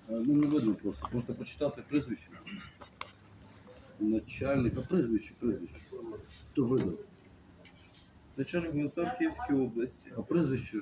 Ну, не видно просто. Можете почитати прізвище. Начальник, а прізвище. Хто видав? Начальник ГУНП Київської області. А прізвище?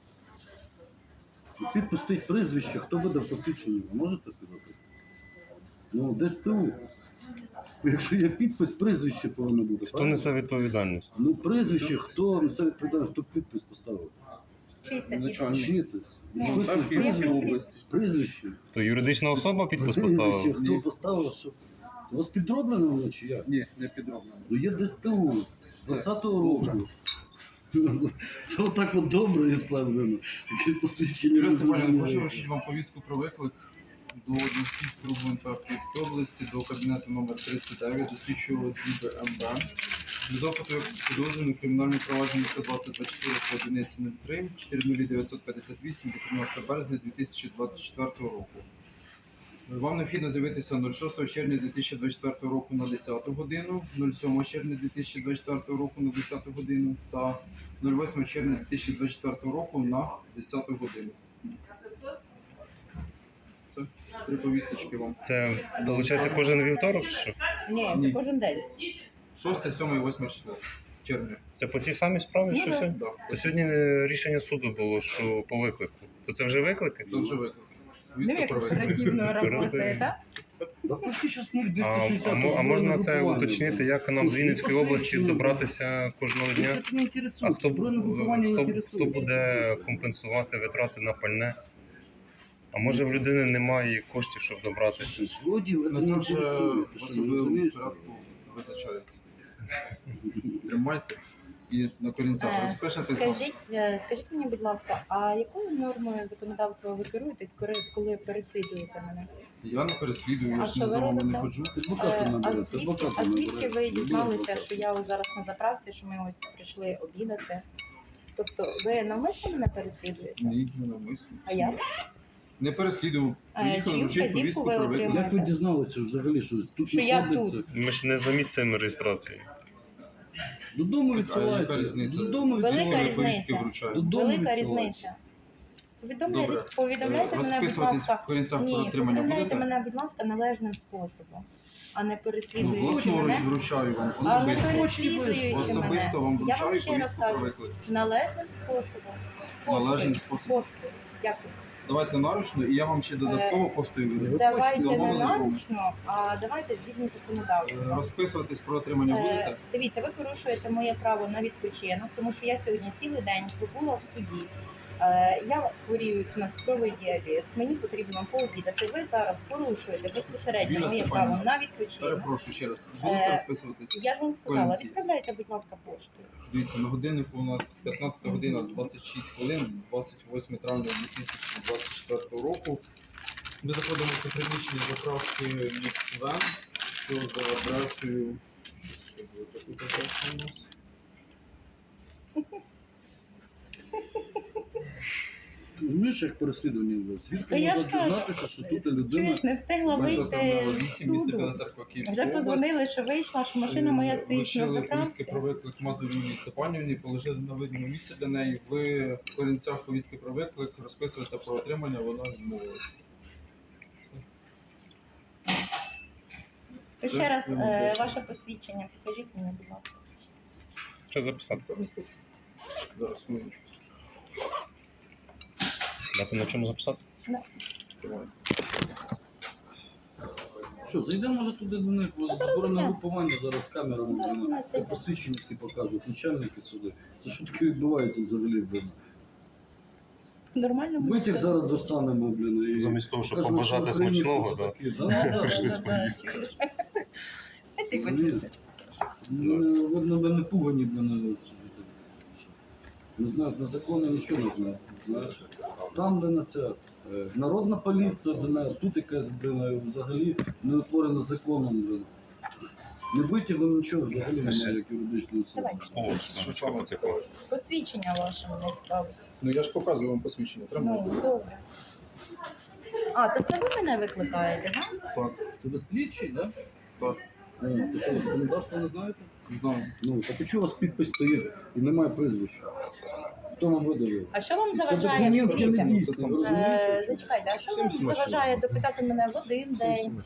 Підпис стоїть прізвище. Хто видав посвідчення? Ви можете сказати? Ну, ДСТУ. Якщо є підпис, прізвище повинно бути. Хто несе відповідальність? Ну, прізвище, хто несе відповідальність, хто підпис поставив? Чий це підпис? Начальник Чиє це? ГУНП Київської області. Прізвище. То юридична особа підпис Прізвище, поставила? хто поставив, що? У вас підроблено воно чи як? Ні, не підроблено. Ну є ДСТУ з 20-го року. Це отак от добре і все, блин. Якесь посвідчення. Юрій не Степанович, дуже прошу має. вручити вам повістку про виклик до Односільського ГУНП Київської області, до кабінету номер 39, до слідчого ДІБ МБ. Для допиту як підозрюваний кримінальне провадження 12024 по одиниці 03 40958 до 13 березня 2024 року. Вам необхідно з'явитися 06 червня 2024 року на 10 годину, 07 червня 2024 року на 10 годину та 08 червня 2024 року на 10 годину. Це 3 повісточки вам. Це, виходить, кожен вівторок чи що? Ні, Ні. це кожен день. 6, 7 і 8 число червня. Це по цій самій справі, Ну, що да. сьогодні? Да. То сьогодні рішення суду було, що по виклику. То це вже виклики? Тут вже виклик. Ну, Повістка як про виклик. оперативно працює, так? Да почти зараз А, 0260. а можна це уточнити, як нам з Вінницької області добратися кожного дня? Це не А інтересує. хто, Збройне групування не хто інтересує. буде компенсувати витрати на пальне? А може в людини немає коштів, щоб добратися? Злодіїв це На не це вже інтересує. в Ти що, не особливому розумієш? порядку визначається. Тримайте і на корінцях розпишете. Скажіть мені, будь ласка, а якою нормою законодавства ви керуєтесь, коли переслідуєте мене? Я не переслідую, я А ж що не ви за вами не робите? ходжу. Адвоката набере, це адвоката А набере. звідки ви Любий дізналися, адвокат. що я ось зараз на заправці, що ми ось прийшли обідати? Тобто ви навмисно мене переслідуєте? Ні, не навмисно. А як? Не переслідував. Приїхали чию вручити вказівку повістку ви про виклик. отримали? Як ви дізналися взагалі, що тут Що я знаходиться? тут. Ми ж не за місцем реєстрації. Додому А яка відсилайте. різниця? Додому Велика відсилайте. різниця. Повістки вручаю. Додому Велика відсилайте. різниця. Добре. Повідомляйте мене, будь Розписуватись ласка. в корінцях про Ні, отримання повідомляйте будете? мене, будь ласка, належним способом, а не Ну, переслідуючи власноруч мене. вручаю вам А не особисто. переслідуючи мене. Особисто вам Я вручаю вам ще раз повістку про кажу, виклик. належним способом. Належним Поштою. способом. Поштою. Дякую. Давайте наручно, і я вам ще додатково поштою вирішую. Давайте не наручно, а давайте згідно законодавства. Розписуватись про отримання будете? Дивіться, ви порушуєте моє право на відпочинок, тому що я сьогодні цілий день пробула в суді. Я хворію на цукровий діабет, мені потрібно пообідати. Ви зараз порушуєте безпосередньо Віра моє Степанівна, право на відпочинок. Перепрошую ще раз. Будете розписуватись? Я ж вам сказала, Корінці. відправляйте, будь ласка, поштою. Дивіться, на годиннику у нас 15 година 26 хвилин, 28 травня 2024 року. Ми заходимо в приміщення заправки Міксвен, що за адресою. Що буде таку адресу у нас? Розумієш, як переслідування було? Та Звідки я можна ж кажу, дізнатися, що тут людина... Чуєш, не встигла Межа вийти Тернова з 8, місто Біла суду. Церква, Київська Вже область. позвонили, що вийшла, що машина моя стоїть на Вручили повістки заправці. про виклик Мазурі Юлії Степанівні, положили на видному місці для неї. В корінцях повістки про виклик розписується про отримання, вона відмовилася. То ще раз ваше посвідчення покажіть мені, будь ласка. Треба записати. Зараз хвилиночку. Дати на чому записати? Тримай. Що, зайдемо може туди до них, зараз зборне зайдемо. групування зараз камерами, Зараз блин, ми це йдемо. посвідчення всі покажуть, начальники сюди. Це що таке відбувається взагалі, блин? Нормально Витяг буде. зараз достанемо, блин, і... Замість того, щоб покажемо, побажати що в Україні смачного, хто да? такі, Прийшли з повісткою. Ти якось Ні. не знаєш. Ну, видно, ви не пугані, блин. Не знаю, на закони нічого не знаю. Знаєш, там, де на це народна поліція, де тут якась, блин, взагалі не утворена законом, блин. Не витягли нічого, взагалі немає як юридичної особи. Давай. Що вам цікаво? Посвідчення ваше мене цікавить. Ну я ж показую вам посвідчення. Тримайте. Ну, добре. А, то це ви мене викликаєте, так? Так, Це ви слідчий, так? так, То що, законодавство не знаєте? знаю. Ну, так а чого у вас підпис стоїть і немає прізвища? Хто вам видав? А що вам Це заважає? документ є Дивіться, недійсний, ви розумієте? зачекайте, а що Всім вам смачного. заважає допитати мене в один день?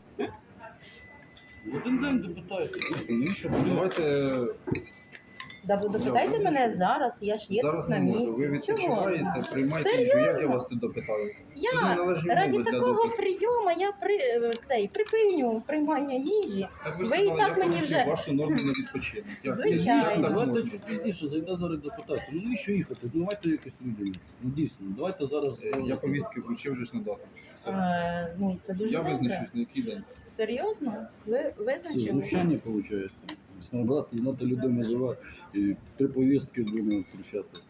Один день допитайте. Навіщо? Давайте Допитайте мене зараз, я ж є зараз тут на не можу. місці. Ви відпочиваєте, Чого? приймайте їжу. Як я вас тут допитаю? Тут Я неналежні раді умови для такого допиту. прийому я припиню приймання їжі. Так Ви ж і сказали, так я мені порушив вже- вашу норму на відпочинок. Як це? Звичайно. Як так Давайте можна? чуть пізніше зайде зараз допитати. Ну навіщо їхати? Ну давайте якось відомість. Ну дійсно, давайте зараз. Я повістки вручив вже ж на дату. Все. Ну, це дуже Я добре. визначусь, на який день. Серйозно? Ви Це визначили? знущання виходить. Брати, знати людина жива і 3 повістки будемо втручати.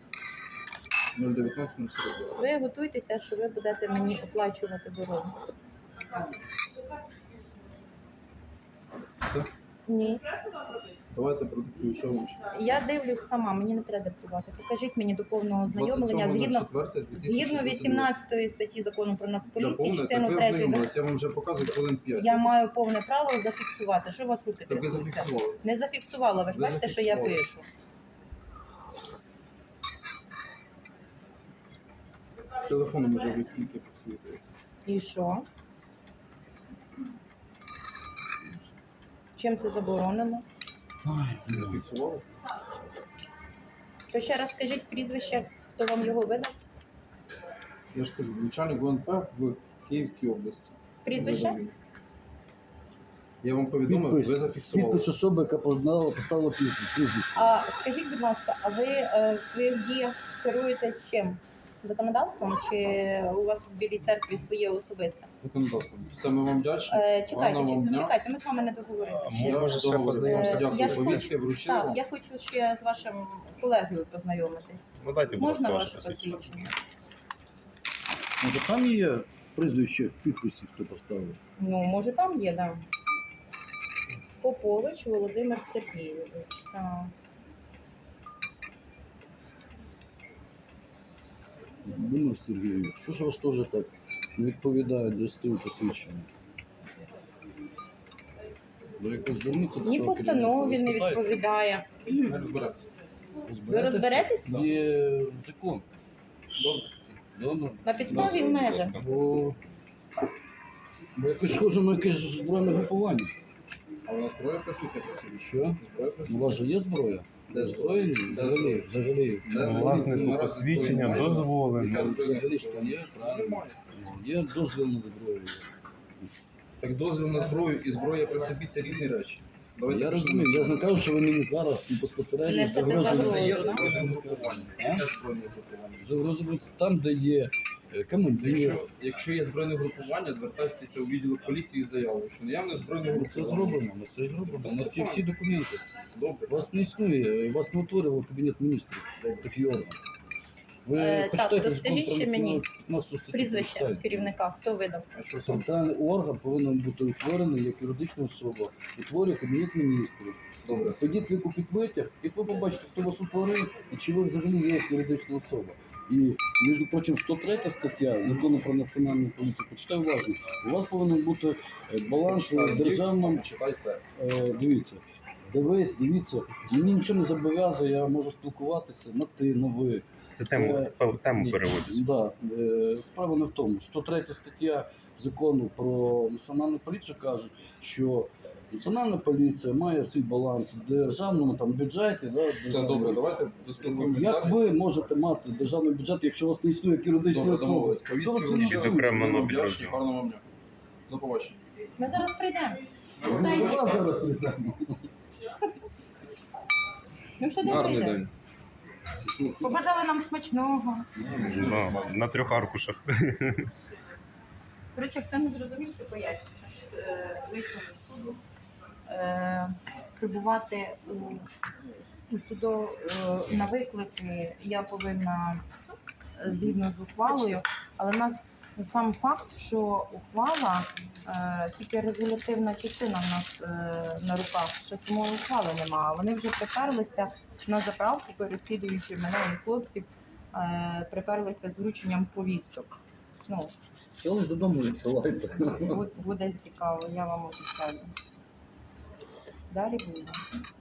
019-042. Ви готуйтеся, що ви будете мені оплачувати дорогу. Все? Ні. Давайте продиктую, що вам ще. Я дивлюсь сама, мені не треба диктувати. Покажіть мені до повного ознайомлення згідно 18 статті закону про Нацполіцію, частину 3. Я вам вже показую хвилин 5. Я маю повне право зафіксувати. Що у вас руки Так ви трясуться? зафіксували. Не зафіксувала, ви ж Ви бачите, що я зафіксували. пишу. Телефоном вже ви скільки фіксуєте. І що? Чим це заборонено? Фіксували? То ще раз скажіть прізвище, хто вам його видав? Я ж кажу, начальник ГУНП в Київській області. Прізвище? Я вам повідомив, ви зафіксували. Підпис особи, яка поставила прізвище. А скажіть, будь ласка, а ви в своїх діях керуєтесь чим? Законодавством чи у вас в Білій церкві своє особисте? Законодавством. Саме вам вдячні. Чекайте, Гарного вам дня. чекайте, ми з вами не договорилися. Може, ще познайомимося? Я Дякую. ж Повістки вручили Так, вам. я хочу ще з вашим колегою познайомитись. Ну дайте, будь Можна ласка, ваше ваше посвідчення. посвідчення? Може там є прізвище в підписі, хто поставив? Ну, може, там є, да. Попович Володимир Сергійович. Так. Володимир Сергійович, що ж у вас теж так не відповідає до СТУ посвідчення? Ви якось зверніться до Ні свого постанові керівництва, не спитайте. відповідає. Не розберемося. Ви розберетесь? Є закон. Добре. Добре. На підставі межах. Бо якось схоже на якесь збройне групування. А у нас зброя присутня посвідчення? Що? Зброя У присутня. вас же є зброя? Де Зброя? Ні? Взагалі, взагалі. Власнику посвідчення дозволено. Взагалі ж там є, правильно. Є дозвіл на зброю. Так дозвіл на зброю і зброя при собі це різні речі. Давайте Я почнемо. розумію, я ж не кажу, що ви мені зараз безпосередньо Несете загрожуєте. загрозу. Це є да? збройне групування. Яке збройне групування? Загрожуєте там, де є командир. Якщо є збройне групування, звертайтеся у відділок поліції з заявою, що наявне збройне Ми це групування. зробимо, ми це зробимо. У нас є всі документи. Добре. Вас не існує, вас не утворював Кабінет міністрів, такий орган. Ви Так, почитайте то закон скажіть про ще мені 15 статтю. Прізвище почитайте. керівника, хто видав? А що саме? Центральний орган повинен бути утворений як юридична особа. Утворює Кабінет міністрів. Добре. Тоді ви купіть витяг, і ви побачите, хто вас утворив, і чи ви взагалі є як юридична особа. І, між прочим, 103 стаття Закону про національну поліцію, почитай уважно, у вас повинен бути баланс в державному. Читайте. Дивіться, дивіться, мені нічого не зобов'язує, я можу спілкуватися на ти, на ви. Це тему переводять. Да, справа не в тому. 103 стаття Закону про національну поліцію каже, що національна поліція має свій баланс в державному там, бюджеті. Да, Все державному. добре, давайте доспілкуємося Як далі. ви можете мати державний бюджет, якщо у вас не існує як юридичної Добре, особи? домовились. Хто Повістки ви це вручили. не Окремо чує? на Вдячні, підрозділ. гарного вам дня. До побачення. Ми зараз прийдемо. Ви Зайчик. до вас зараз прийдемо. Ну що не прийде? Побажали нам смачного. На 3 аркушах. Коротше, хто не зрозумів, то поясню. Вийшов з суду, прибувати у суду на виклики я повинна згідно з ухвалою, але в нас сам факт, що ухвала, тільки резолютивна частина в нас на руках, що самої ухвали немає. Вони вже приперлися на заправку, переслідуючи мене і хлопців, приперлися з врученням повісток. Ну, Що ж додому відсилайте? буде цікаво, я вам обіцяю. Далі буде.